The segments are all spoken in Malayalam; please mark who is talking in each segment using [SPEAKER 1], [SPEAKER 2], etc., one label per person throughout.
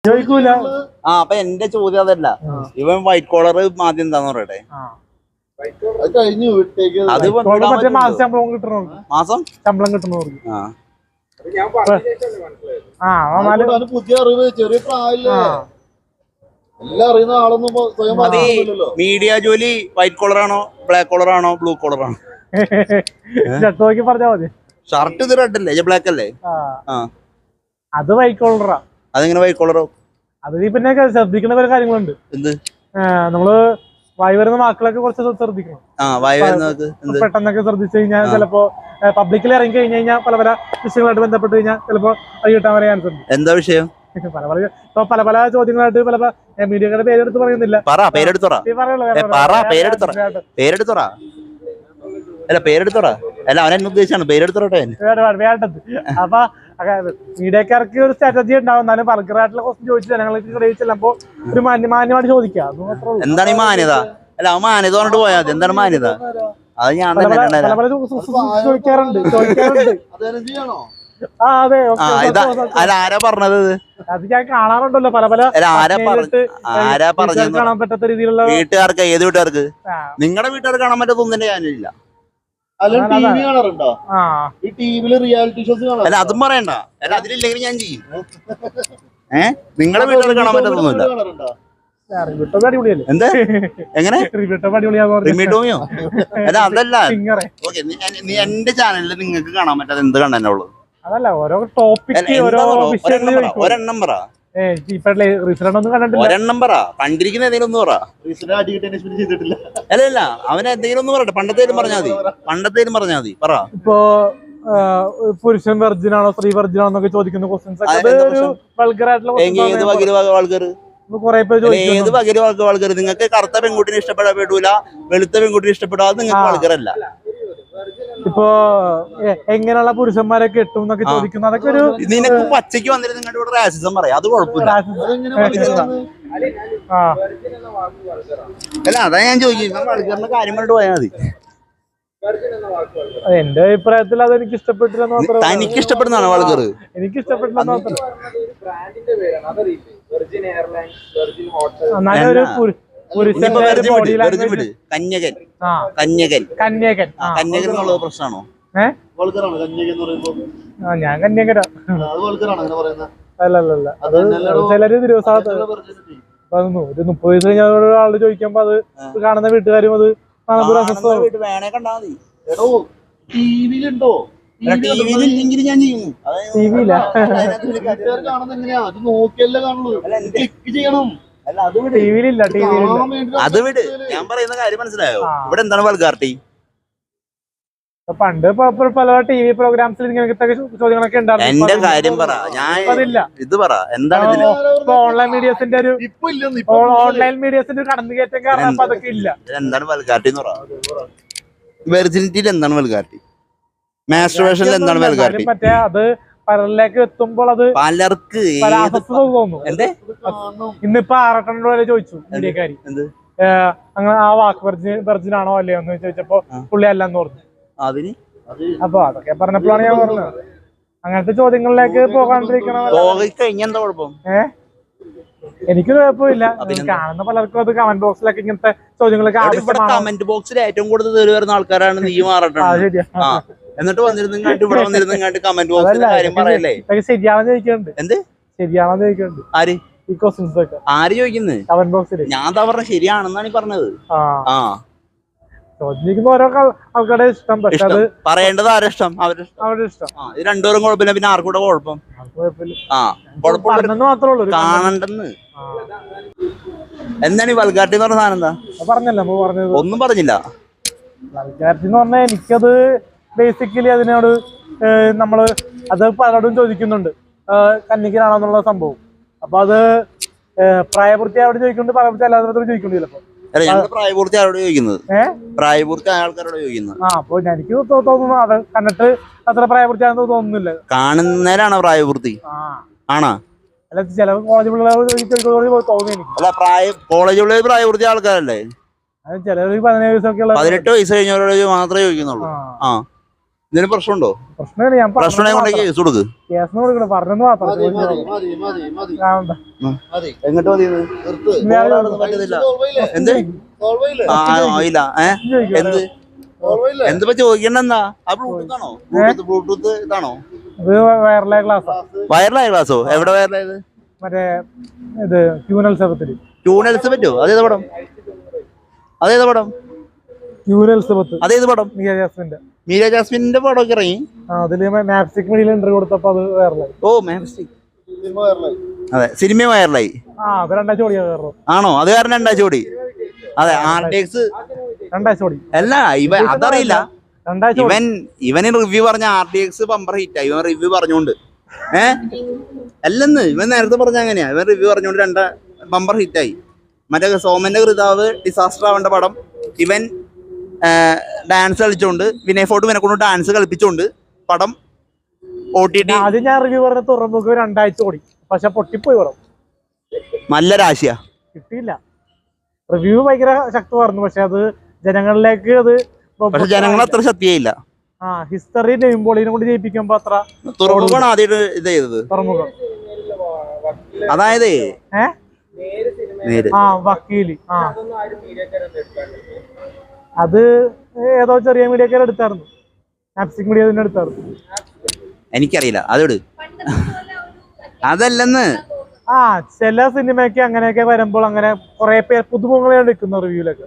[SPEAKER 1] ചോദിക്കൂല.
[SPEAKER 2] അപ്പൊ എന്റെ ചോദ്യം അതല്ല, ഇവൻ വൈറ്റ് കോളർ ആദ്യം എന്താന്ന് പറയട്ടെ. അത് മാസം
[SPEAKER 1] ശമ്പളം കിട്ടുന്നവർക്ക്
[SPEAKER 3] പുതിയ അറിവ്, ചെറിയ പ്രായല്ലേ, എല്ലാം അറിയുന്ന ആളൊന്നും
[SPEAKER 2] മീഡിയ ജോലി വൈറ്റ് കോളർ ആണോ ബ്ലാക്ക് കോളർ ആണോ ബ്ലൂ കോളർ ആണോ?
[SPEAKER 1] നോക്കി പറഞ്ഞാ മതി.
[SPEAKER 2] ഷർട്ട് ഇത് റെഡ് അല്ലേ, ബ്ലാക്ക് അല്ലേ?
[SPEAKER 1] അത് വൈറ്റ് കോളറാ.
[SPEAKER 2] അതെങ്ങനെ വൈറ്റ് കോളറോ?
[SPEAKER 1] അത് പിന്നെ ശ്രദ്ധിക്കുന്ന പല കാര്യങ്ങളുണ്ട്.
[SPEAKER 2] എന്ത്?
[SPEAKER 1] നമ്മള് വായി വരുന്ന വാക്കുകളൊക്കെ കുറച്ച് ശ്രദ്ധിക്കണം. പെട്ടെന്നൊക്കെ ശ്രദ്ധിച്ചു കഴിഞ്ഞാൽ ചിലപ്പോ പബ്ലിക്കിൽ ഇറങ്ങി കഴിഞ്ഞു കഴിഞ്ഞാൽ പല പല വിഷയങ്ങളായിട്ട് ബന്ധപ്പെട്ട് കഴിഞ്ഞാൽ ചിലപ്പോ അത് കിട്ടാൻ വരെ ചാൻസ് ഉണ്ട്.
[SPEAKER 2] എന്താ വിഷയം?
[SPEAKER 1] പല പല ചോദ്യങ്ങളായിട്ട് പല മീഡിയക്കാരുടെ പേരെടുത്ത് പറയുന്നില്ല. അപ്പൊ മീഡിയക്കാർക്ക് ഒരു സ്ട്രാറ്റജി ഉണ്ടാവും. എന്നാലും ബർഗറായിട്ടുള്ള ക്വസ്റ്റ്യൻ ചോദിച്ചു ജനങ്ങൾക്ക് ചെല്ലുമ്പോ ഒരു മാന്യമായിട്ട് ചോദിക്കാം.
[SPEAKER 2] എന്താണ് ഈ മാന്യത? അല്ല മാന്യത പറഞ്ഞിട്ട് പോയാൽ മതി. എന്താണ് മാന്യത? അത് ഞാൻ
[SPEAKER 1] ചോദിക്കാറുണ്ട്.
[SPEAKER 2] ആരാ പറഞ്ഞത്?
[SPEAKER 1] അത് ഞാൻ കാണാറുണ്ടല്ലോ പല പല കാണാൻ പറ്റാത്ത രീതിയിലുള്ള.
[SPEAKER 2] വീട്ടുകാർക്ക്? ഏത് വീട്ടുകാർക്ക്? നിങ്ങളുടെ വീട്ടുകാർക്ക് കാണാൻ പറ്റാത്തൊന്നും ഞാനില്ല. അല്ല അതും പറയണ്ട. അല്ല അതിലില്ലെങ്കിൽ ഞാൻ ചെയ്യും. നിങ്ങളുടെ വീട്ടുകാർക്ക് കാണാൻ പറ്റാത്തൊന്നുമില്ല. എന്താ? എങ്ങനെ? റിമിട്ടോമിയോ? അല്ല അതല്ല. നീ എന്റെ ചാനലിൽ നിങ്ങൾക്ക് കാണാൻ പറ്റാതെ എന്ത് കണ്ടല്ലോ?
[SPEAKER 1] അതല്ല, ഓരോ ടോപ്പിക്
[SPEAKER 2] ഒരെണ്ണം പറ. ഒരെണ്ണം പറ. കണ്ടിരിക്കുന്ന എന്തെങ്കിലും ഒന്ന് പറ. അല്ല അവനെ എന്തെങ്കിലും ഒന്ന് പറയട്ടെ. പണ്ടത്തേലും പറഞ്ഞാൽ മതി. പറ.
[SPEAKER 1] ഇപ്പൊ പുരുഷൻ വെർജിനാണോ സ്ത്രീ വെർജിനാണോ എന്നൊക്കെ ചോദിക്കുന്ന ക്വസ്റ്റ്യൻസ്
[SPEAKER 2] നിങ്ങൾക്ക് കറുത്ത പെൺകുട്ടിനെ ഇഷ്ടപ്പെടാൻ പറ്റൂല, വെളുത്ത പെൺകുട്ടിനെ ഇഷ്ടപ്പെടാതെ നിങ്ങൾക്ക് വൾഗറല്ല.
[SPEAKER 1] ഇപ്പൊ എങ്ങനെയുള്ള പുരുഷന്മാരെ കിട്ടും എന്നൊക്കെ ചോദിക്കുന്നു. അതൊക്കെ ഒരു
[SPEAKER 2] നിനക്ക് പച്ചയ്ക്ക് വന്നിട്ട് നിങ്ങളുടെ ഇവിടെ റാസിസം പറയാം. അത് കുഴപ്പമില്ല. അല്ല അതാ ഞാൻ ചോദിക്കുന്നത്. വൾഗറിന്റെ കാര്യം പറഞ്ഞിട്ട് പോയാൽ മതി.
[SPEAKER 1] എന്റെ അഭിപ്രായത്തിൽ അത് എനിക്ക് ഇഷ്ടപ്പെട്ടില്ല.
[SPEAKER 2] തനിക്ക് ഇഷ്ടപ്പെടുന്നതാണോ വൾഗർ?
[SPEAKER 1] എനിക്ക് ഇഷ്ടപ്പെട്ടില്ല.
[SPEAKER 2] കന്യകൻ എന്നുള്ള പ്രശ്നമാണോ?
[SPEAKER 1] ഞാൻ കന്യകരാ. അല്ലല്ല, അത് ചിലര് ദിവസത്ത് വന്നു. ഒരു 30 വയസ്സ് കഴിഞ്ഞ ഒരാള് ചോദിക്കുമ്പോ അത് കാണുന്ന വീട്ടുകാരും അത്
[SPEAKER 2] വേണേ കണ്ടാ മതി. അത് വിട്. ഞാൻ പറയുന്ന കാര്യം മനസ്സിലായോ? ഇവിടെ എന്താണ് വൾഗാറിറ്റി?
[SPEAKER 1] പണ്ട് പല ടിവി പ്രോഗ്രാംസിൽ ഇങ്ങനത്തെ ചോദ്യങ്ങളൊക്കെ ഉണ്ടായിരുന്നു.
[SPEAKER 2] എന്റെ കാര്യം പറ. ഞാൻ ഇത് പറ. എന്താണ്
[SPEAKER 1] ഓൺലൈൻ മീഡിയസിന്റെ ഒരു കടന്നുകയറ്റം കാരണം അപ്പൊ അതൊക്കെ ഇല്ല.
[SPEAKER 2] എന്താണ് വൾഗാറിറ്റി എന്ന് പറ. വെർജിനിറ്റിയിൽ എന്താണ് വൾഗാറിറ്റി? മാസ്റ്റുർബേഷനിൽ എന്താണ് വൾഗാറിറ്റി?
[SPEAKER 1] മറ്റേ അത് പലരിലേക്ക് എത്തുമ്പോൾ അത്
[SPEAKER 2] പലർക്ക്
[SPEAKER 1] തോന്നുന്നു. ഇന്നിപ്പോ 6 വരെ ചോദിച്ചു മീഡിയക്കാരി, അങ്ങനെ ആ വാക്ക് വെർജിനാണോ അല്ലയോ എന്ന് ചോദിച്ചപ്പോ പുള്ളി അല്ലെന്ന് പറഞ്ഞു. അപ്പൊ അതൊക്കെ പറഞ്ഞപ്പോഴാണ് ഞാൻ പറഞ്ഞത് അങ്ങനത്തെ ചോദ്യങ്ങളിലേക്ക് പോകാണ്ടിരിക്കണം. എനിക്ക് കുഴപ്പമില്ല. കാണുന്ന പലർക്കും അത് കമന്റ് ബോക്സിലൊക്കെ ഇങ്ങനത്തെ ചോദ്യങ്ങളൊക്കെ
[SPEAKER 2] കമന്റ് ബോക്സിൽ ഏറ്റവും കൂടുതൽ വരുന്ന ആൾക്കാരാണ് നീ മാറട്ടെ. എന്നിട്ട് ഇവിടെ വന്നിരുന്നു കമന്റ് ബോക്സിലെ കാര്യം പറയല്ലേ?
[SPEAKER 1] ശരിയാണെന്ന് ചോദിക്കുന്നുണ്ട്.
[SPEAKER 2] എന്ത്
[SPEAKER 1] ശരിയാണെന്ന് ചോദിക്കുന്നുണ്ട്?
[SPEAKER 2] ആര്?
[SPEAKER 1] ഈ ക്വസ്റ്റ്യൻസ് ഒക്കെ
[SPEAKER 2] ആര് ചോദിക്കുന്നത്?
[SPEAKER 1] കമന്റ് ബോക്സിൽ.
[SPEAKER 2] ഞാൻ പറഞ്ഞ ശരിയാണെന്നാണ് ഈ പറഞ്ഞത്.
[SPEAKER 1] ചോദിക്കുന്ന ഓരോ ആൾക്കാരുടെ ഇഷ്ടം. പക്ഷെ അത്
[SPEAKER 2] പറയേണ്ടത് ആരുടെ ഇഷ്ടം? അവരുടെ ഇഷ്ടം. ഇത് രണ്ടുപേരും കുഴപ്പമില്ല. പിന്നെ ആർക്കൂടെ കുഴപ്പം?
[SPEAKER 1] മാത്രമേ ഉള്ളൂ
[SPEAKER 2] കാണണ്ടെന്ന്. എന്താണ് ഈ വൾഗാറിറ്റി എന്ന് പറഞ്ഞ സാധനം? എന്താ
[SPEAKER 1] പറഞ്ഞല്ലോ? പറഞ്ഞത്
[SPEAKER 2] ഒന്നും പറഞ്ഞില്ല.
[SPEAKER 1] വൾഗാറിറ്റി എന്ന് പറഞ്ഞാൽ എനിക്കത് ബേസിക്കലി അതിനോട് നമ്മള് അത് പലരോടും ചോദിക്കുന്നുണ്ട്, കന്യകനാണെന്നുള്ള സംഭവം. അപ്പൊ അത് പ്രായപൂർത്തിയോട് ചോദിക്കുന്നുണ്ട്, പ്രായപൂർത്തി അല്ലാത്തവരോട് ചോദിക്കുന്നുണ്ട്. ചിലപ്പോ
[SPEAKER 2] പ്രായപൂർത്തി ആരോട് ചോദിക്കുന്നത്? പ്രായപൂർത്തി ആൾക്കാരോട് ചോദിക്കുന്നത്.
[SPEAKER 1] അപ്പൊ എനിക്ക് തോന്നുന്നു അത് കണ്ടിട്ട് അത്ര പ്രായപൂർത്തിയാണെന്ന് തോന്നുന്നില്ല.
[SPEAKER 2] കാണുന്നേരാണോ പ്രായപൂർത്തി? ആണോ?
[SPEAKER 1] അല്ല, ചില കോളേജ് പിള്ളേർ തോന്നുന്നു എനിക്ക്.
[SPEAKER 2] അല്ല, കോളേജ് പിള്ളേർ പ്രായപൂർത്തി ആൾക്കാരല്ലേ?
[SPEAKER 1] ചിലർ 17 വയസ്സൊക്കെ
[SPEAKER 2] 18 വയസ്സ് കഴിഞ്ഞവരോട് മാത്രമേ ചോദിക്കുന്നുള്ളൂ. ഇതിന് പ്രശ്നമുണ്ടോ?
[SPEAKER 1] പ്രശ്നമില്ല, ഞാൻ
[SPEAKER 2] പ്രശ്നമുണ്ടെങ്കിൽ കേസ് കൊടുക്ക്.
[SPEAKER 1] കേസ് കൊടുക്കണം, പറഞ്ഞെന്ന് മാത്രം.
[SPEAKER 2] എങ്ങോട്ട് മതി? പറ്റുന്നില്ല. എന്ത് ആയില്ല? എന്ത് എന്തിപ്പോ ചോദിക്കണ്ടെന്നാ? ആ ബ്ലൂടൂത്ത് ആണോ? ബ്ലൂടൂത്ത് ഇതാണോ?
[SPEAKER 1] വയറലായ ക്ലാസ്സാ.
[SPEAKER 2] വയറലായ ക്ലാസ്സോ? എവിടെ വയറലായത്?
[SPEAKER 1] മറ്റേ ഇത് ക്യൂനൽസബത്തിൽ.
[SPEAKER 2] പറ്റുമോ? അതേത് പടം? അതേത് പടം?
[SPEAKER 1] ക്യൂനൽസബത്ത്.
[SPEAKER 2] അതേത് പടം? മീര ജാസ്മിന്റെ പടമൊക്കെ ഇറങ്ങി.
[SPEAKER 1] അതില് മാപ്സ്റ്റിക് മീഡിയയിൽ ഇന്റർവ്യൂ കൊടുത്തപ്പോ അത് വയറലായി.
[SPEAKER 2] ഓ മാപ്സ്റ്റിക്. അതെ, സിനിമ വയറലായി.
[SPEAKER 1] അത് രണ്ടാഴ്ച ഓടിയാ കയറും.
[SPEAKER 2] ആണോ? അത് കാരണം 2 ഓടി. അതെ, RTX
[SPEAKER 1] 2 ഓടി.
[SPEAKER 2] അല്ല, അതറിയില്ല. ഇവന് റിവ്യൂ പറഞ്ഞ RTX ബമ്പർ ഹിറ്റായി. ഇവൻ റിവ്യൂ പറഞ്ഞോണ്ട് അല്ലെന്ന് ഇവൻ നേരത്തെ പറഞ്ഞ അങ്ങനെയാ. ഇവൻ റിവ്യൂ പറഞ്ഞോണ്ട് 2 ബമ്പർ ഹിറ്റായി. മറ്റേ സോമന്റെ കൃതാവ് ഡിസാസ്റ്റർ ആവേണ്ട പടം ഇവൻ ഡാൻസ് കളിച്ചോണ്ട്, വിനയ് ഫോർട്ട് ഇവനെ കൊണ്ട് ഡാൻസ് കളിപ്പിച്ചോണ്ട് പടം OTT.
[SPEAKER 1] ആദ്യം ഞാൻ റിവ്യൂ പറഞ്ഞ തുറമുഖ 2 ആഴ്ച ഓടി, പക്ഷെ പൊട്ടിപ്പോയി പടം.
[SPEAKER 2] നല്ല രാശിയാ,
[SPEAKER 1] കിട്ടിയില്ല. റിവ്യൂ ഭയങ്കര ശക്തമായിരുന്നു, പക്ഷെ അത് ജനങ്ങളിലേക്ക് അത്
[SPEAKER 2] ജനങ്ങൾ അത്ര ശക്തിയായില്ല.
[SPEAKER 1] ഹിസ്റ്ററി നെയ്മ്പോളിനെ കൊണ്ട് ജയിപ്പിക്കുമ്പോ അത്ര.
[SPEAKER 2] തുറമുഖമാണ് ആദ്യം ഇത് ചെയ്തത്.
[SPEAKER 1] തുറമുഖം
[SPEAKER 2] അതായത്
[SPEAKER 1] വക്കീല്. അത് ഏതോ ചെറിയ മീഡിയക്കാരെ എടുത്തായിരുന്നു, മാപ്സ്റ്റിക് മീഡിയ തന്നെ എടുത്തായിരുന്നു.
[SPEAKER 2] എനിക്കറിയില്ല, അതോട് അതല്ലെന്ന്.
[SPEAKER 1] ചില സിനിമയ്ക്ക് അങ്ങനെയൊക്കെ വരുമ്പോൾ അങ്ങനെ കുറെ പേര് പുതുമുഖങ്ങളെ എടുക്കുന്ന റിവ്യൂലൊക്കെ.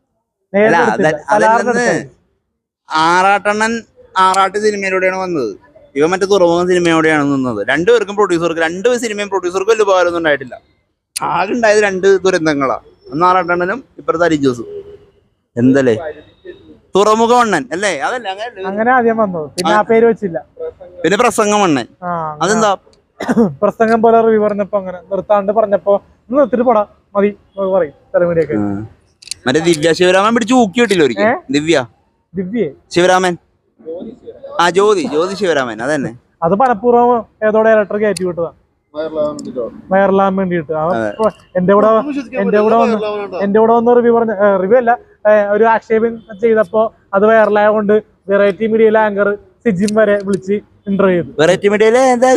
[SPEAKER 2] ആറാട്ട് സിനിമയിലൂടെയാണ് വന്നത്. ഇവ മറ്റേ തുറമുഖം സിനിമയോടെയാണ് നിന്നത്. 2 പേർക്കും പ്രൊഡ്യൂസർക്ക് 2 സിനിമയും പ്രൊഡ്യൂസർക്കും വലിയ ഉപകാരമൊന്നും ഉണ്ടായിട്ടില്ല. ആകെ ഉണ്ടായത് 2 ദുരന്തങ്ങളാ. ഒന്ന് ആറാട്ടണ്ണനും ഇപ്പുറത്തെ അരിജോസും. എന്തല്ലേ തുറമുഖ മണ്ണൻ അല്ലേ? അതല്ല
[SPEAKER 1] അങ്ങനെ ആദ്യം വന്നത്, പിന്നെ ആ പേര് വെച്ചില്ല.
[SPEAKER 2] പിന്നെ പ്രസംഗം മണ്ണൻ. അതെന്താ?
[SPEAKER 1] പ്രസംഗം പോലെ റിവ്യൂ പറഞ്ഞപ്പോ അങ്ങനെ നിർത്താണ്ട് പറഞ്ഞപ്പോ നിർത്തിട്ട് പോടാ മതി പറയും തലമുടിയൊക്കെ.
[SPEAKER 2] മറ്റേ ദിവ്യ ശിവരാമൻ പിടിച്ച് ഊക്കി കിട്ടില്ല ഒരിക്കൽ. ദിവ്യ ശിവരാമൻ, ജ്യോതി ശിവരാമൻ. അതന്നെ,
[SPEAKER 1] അത് മനഃപൂർവ്വം ഏതോ ഡയറക്ടർ കയറ്റി വിട്ടതാ വയറലാൻ വേണ്ടിട്ട്. എന്റെ കൂടെ വന്ന് റിവ്യൂ പറഞ്ഞ റിവ്യൂ അല്ല, ഒരു ആക്ഷേപം ചെയ്തപ്പോ അത് വയറലായ കൊണ്ട് വെറൈറ്റി മീഡിയയിലെ ആങ്കർ സിജിൻ വരെ വിളിച്ച് ഇന്റർവ്യൂ ചെയ്തു.
[SPEAKER 2] വെറൈറ്റി മീഡിയയിലെ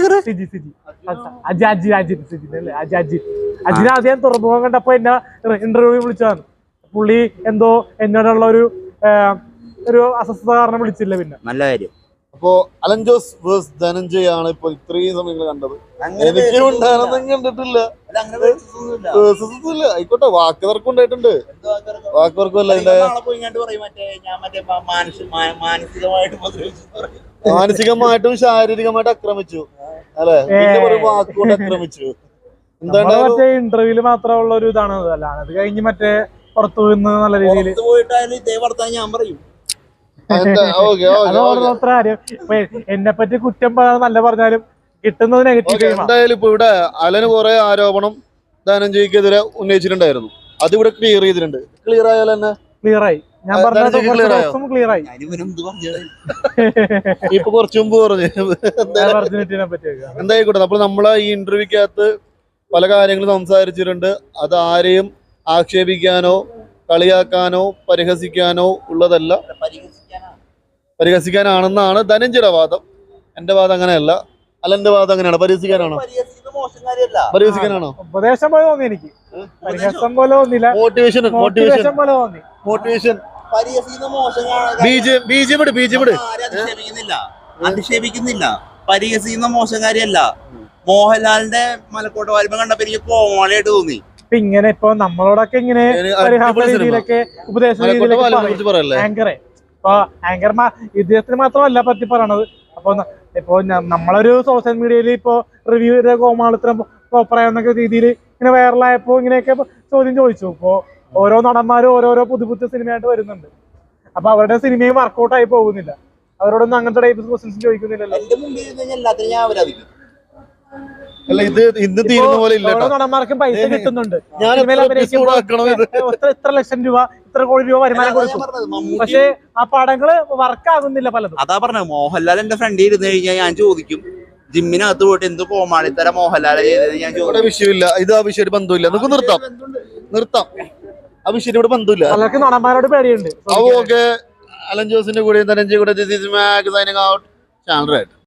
[SPEAKER 1] അജിനാദ്യം തുറമുഖം കണ്ടപ്പോ എന്നെ ഇന്റർവ്യൂ വിളിച്ചതാണ്. പുള്ളി എന്തോ എന്നോടുള്ള ഒരു അസ്വസ്ഥത കാരണം വിളിച്ചില്ല. പിന്നെ നല്ല കാര്യം.
[SPEAKER 3] അപ്പോ അലൻ ജോസ് വേഴ്സ് ധനഞ്ജയ് ആണ് ഇപ്പൊ ഇത്രയും സമയങ്ങൾ കണ്ടത്. എനിക്കും ഉണ്ടായിരുന്നെങ്കിൽ കണ്ടിട്ടില്ല. ആയിക്കോട്ടെ, വാക്ക് തർക്കം ഉണ്ടായിട്ടുണ്ട്. വാക്ക് തർക്കം അല്ല, മാനസികമായിട്ടും ശാരീരികമായിട്ടും ആക്രമിച്ചു അല്ലെ? വാക്കുകൊണ്ട് ആക്രമിച്ചു.
[SPEAKER 1] എന്താണ് ഇന്റർവ്യൂല് മാത്രമുള്ള ഒരു ഇതാണ്. അല്ലാതെ അത് കഴിഞ്ഞ് മറ്റേ പുറത്തു നിന്ന് നല്ല രീതിയിൽ
[SPEAKER 2] ഞാൻ പറയും.
[SPEAKER 1] എന്നെ പറ്റി കുറ്റം പറയാൻ നല്ല പറഞ്ഞാലും കിട്ടുന്നത് നെഗറ്റീവ്.
[SPEAKER 3] എന്തായാലും ഇപ്പൊ ഇവിടെ അലന് കുറെ ആരോപണം ധനഞ്ജയ്ക്കെതിരെ ഉന്നയിച്ചിട്ടുണ്ടായിരുന്നു. അത് ഇവിടെ ക്ലിയർ ചെയ്തിട്ടുണ്ട്. ക്ലിയർ ആയാൽ തന്നെ
[SPEAKER 1] ക്ലിയർ ആയി. ഞാൻ പറഞ്ഞത് ക്ലിയർ ആയി.
[SPEAKER 3] ഇപ്പൊ കുറച്ചു മുമ്പ് പറഞ്ഞു എന്തായിക്കോട്ടെ. അപ്പോൾ നമ്മളെ ഈ ഇന്റർവ്യൂക്കകത്ത് പല കാര്യങ്ങളും സംസാരിച്ചിട്ടുണ്ട്. അത് ആരെയും ആക്ഷേപിക്കാനോ കളിയാക്കാനോ പരിഹസിക്കാനോ ഉള്ളതല്ല, പരിഹസിക്കാനാണെന്നാണ് ധനഞ്ജയുടെ വാദം. എന്റെ വാദം അങ്ങനെയല്ല. അലന്റെ വാദം അങ്ങനെയാണ്. പരിഹസിക്കാനാണോ? പരിഹസിക്കാനാണോ?
[SPEAKER 1] ഉപദേശം പോലെ തോന്നി എനിക്ക്. പരിഹസം പോലെ തോന്നില്ല. മോട്ടിവേഷൻ പോലെ തോന്നി.
[SPEAKER 3] മോട്ടിവേഷൻ.
[SPEAKER 2] അധിക്ഷേപിക്കുന്നില്ല, പരിഹസിക്കുന്ന മോശം കാര്യമല്ല. മോഹൻലാലിന്റെ മലക്കോട്ട വായ്പ കണ്ടപ്പോ എനിക്ക് കോമാളിയായിട്ട് തോന്നി.
[SPEAKER 1] ഇങ്ങനെ ഇപ്പൊ നമ്മളോടൊക്കെ ഇങ്ങനെ പരിഹാസ രീതിയിലൊക്കെ ഉപദേശ രീതിയിലൊക്കെ ആങ്കറെ ഇപ്പൊ ആങ്കർമാർ ഇദ്ദേഹത്തിന് മാത്രമല്ല പറ്റി പറയണത്. ഇപ്പൊ നമ്മളൊരു സോഷ്യൽ മീഡിയയിൽ ഇപ്പൊ റിവ്യൂ കോമാളിത്തരം പറയാവുന്ന രീതിയിൽ ഇങ്ങനെ വൈറലായപ്പോ ഇങ്ങനെയൊക്കെ ചോദ്യം ചോദിച്ചു. ഇപ്പൊ ഓരോ നടന്മാരും ഓരോരോ പുതിയ സിനിമയായിട്ട് വരുന്നുണ്ട്. അപ്പൊ അവരുടെ സിനിമയും വർക്കൗട്ട് ആയി പോകുന്നില്ല. അവരോടൊന്നും അങ്ങനത്തെ ടൈപ്പ് ക്വസ്റ്റ്യൻസ് ചോദിക്കുന്നില്ലല്ലോ.
[SPEAKER 3] അല്ല, ഇത് ഇന്ന് തീരുന്ന പോലെ ഇല്ല.
[SPEAKER 1] നടന്മാർക്കും പൈസ കിട്ടുന്നുണ്ട്. ഇത്ര ലക്ഷം രൂപ, ഇത്ര കോടി രൂപ വരുമാനം കൊടുക്കും. പക്ഷെ ആ പടങ്ങള് വർക്കാകുന്നില്ല പലതും.
[SPEAKER 2] അതാ പറഞ്ഞത്. മോഹൻലാൽ എന്റെ ഫ്രണ്ടിൽ ഇരുന്ന് കഴിഞ്ഞാൽ ഞാൻ ചോദിക്കും, ജിമ്മിനകത്ത് പോയിട്ട് എന്ത് കോമാളിത്തര മോഹൻലാൽ ചെയ്തത് ഞാൻ ചോദിക്കും.
[SPEAKER 3] വിഷയമില്ല, ഇത് ആ വിഷയമായിട്ട് ബന്ധമില്ല. നമുക്ക് നിർത്താം. ആ വിഷയം ഇവിടെ ബന്ധമില്ല.
[SPEAKER 1] പലർക്കും നടന്മാരോട് പേടിയുണ്ട്.
[SPEAKER 3] ഓക്കെ, അലൻ ജോസിന്റെ കൂടെ ധനഞ്ജയ കൂടെ സൈനിങ് ഔട്ട് ചാനൽ റൈറ്റ്.